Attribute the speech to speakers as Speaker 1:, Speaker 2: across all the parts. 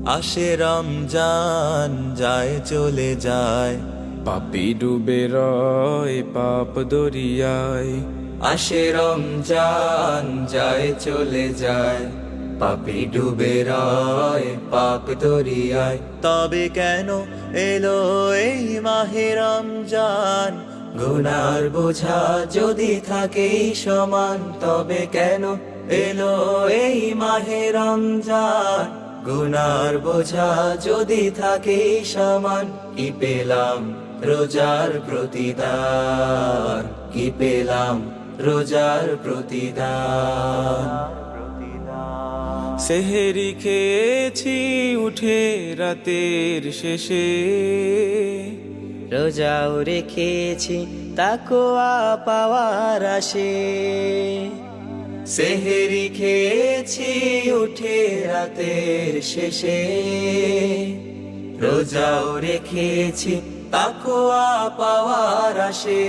Speaker 1: আসে রমজান যায় চলে যায়,
Speaker 2: পাপি ডুবে রয় পাপ দরিয়ায়।
Speaker 1: আসে রমজান যায় চলে যায়, পাপি ডুবে রয় পাপ দরিয়ায়। তবে কেন এলো এই মাহে রমজান, গুনার বোঝা যদি থাকে সমান। তবে কেন এলো এই মাহে রমজান, গুনার বোঝা যদি থাকে সমান। কি পেলাম রোজার প্রতিদান, কি পেলাম রোজার প্রতিদান।
Speaker 2: সেহেরি খেয়েছি উঠে রাতের শেষে,
Speaker 1: রোজাও রেখেছি তাকওয়া পাওয়ার আশে। সেহেরি খেয়েছি উঠে রাতের শেষে, রোজাও রেখেছি তাকওয়া পাওয়ার আশে।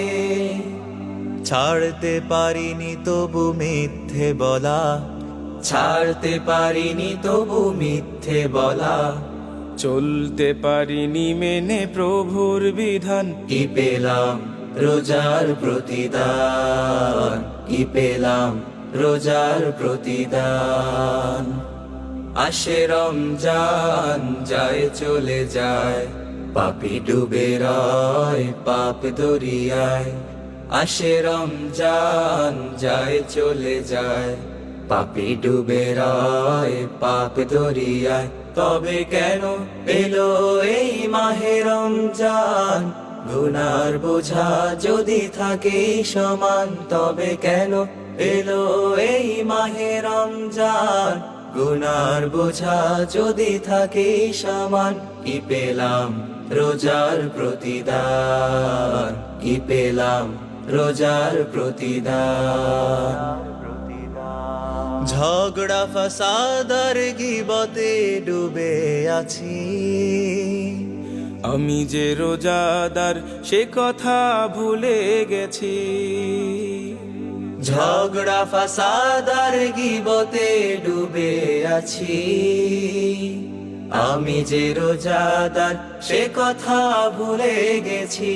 Speaker 1: ছাড়তে পারিনি তবু মিথ্যে বলা, ছাড়তে পারিনি তবু মিথ্যে বলা।
Speaker 2: চলতে পারিনি মেনে প্রভুর বিধান।
Speaker 1: কি পেলাম রোজার প্রতিদান, কি পেলাম রোজার প্রতিদান। আসে রমজান যায় চলে যায়, পাপি ডুবে রয় পাপ দরিয়ায়। আসে রমজান যায় চলে যায়, পাপি ডুবে রয় পাপ দরিয়ায়। তবে কেন এলো এই মাহে রমজান, গুনার বোঝা যদি থাকে সমান। তবে কেন এলো এই মাহে রমজান, গুনার বোঝা যদি থাকে সমান। কি পেলাম রোজার প্রতিদান, কি পেলাম রোজার প্রতিদান। ঝগড়া ফাসাদার গীবতে ডুবে আছি,
Speaker 2: আমি যে রোজাদার সে কথা ভুলে গেছি।
Speaker 1: ঝগড়া ফাসাদার গীবতে ডুবে আছি, আমি যে রোজাদার সে কথা ভুলে গেছি।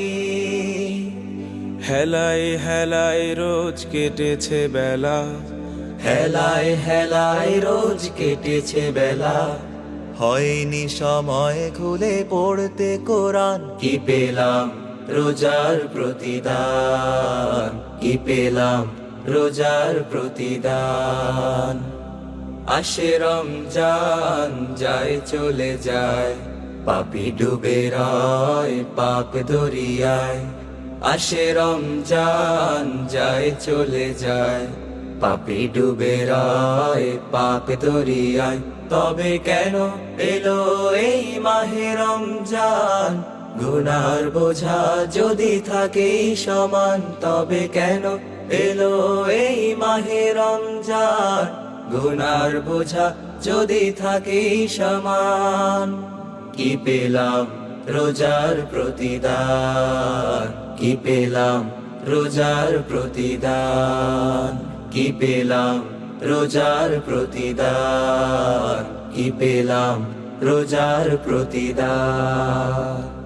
Speaker 2: হেলায় হেলায় রোজ কেটেছে বেলা,
Speaker 1: হেলায় হেলায় রোজ কেটেছে বেলা। হয়নি সময় খুলে পড়তে কোরআন, কি পেলাম রোজার প্রতিদান, কি পেলাম রোজার প্রতিদান। আসে রমজান যায় চলে যায়, পাপি ডুবে রয় পাপ দরিয়ায়। আসে রমজান যায় চলে যায়, পাপি ডুবে রয় পাপ দরিয়ায়। তবে কেন এলো এই মাহে রমজান, গুনার বোঝা যদি থাকে সমান। তবে কেন এলো এই মাহে রমজান, গুনার বোঝা যদি থাকে সমান। কি পেলাম রোজার প্রতিদান, কি পেলাম রোজার প্রতিদান। কি পেলাম রোজার প্রতিদান, কি পেলাম রোজার প্রতিদান।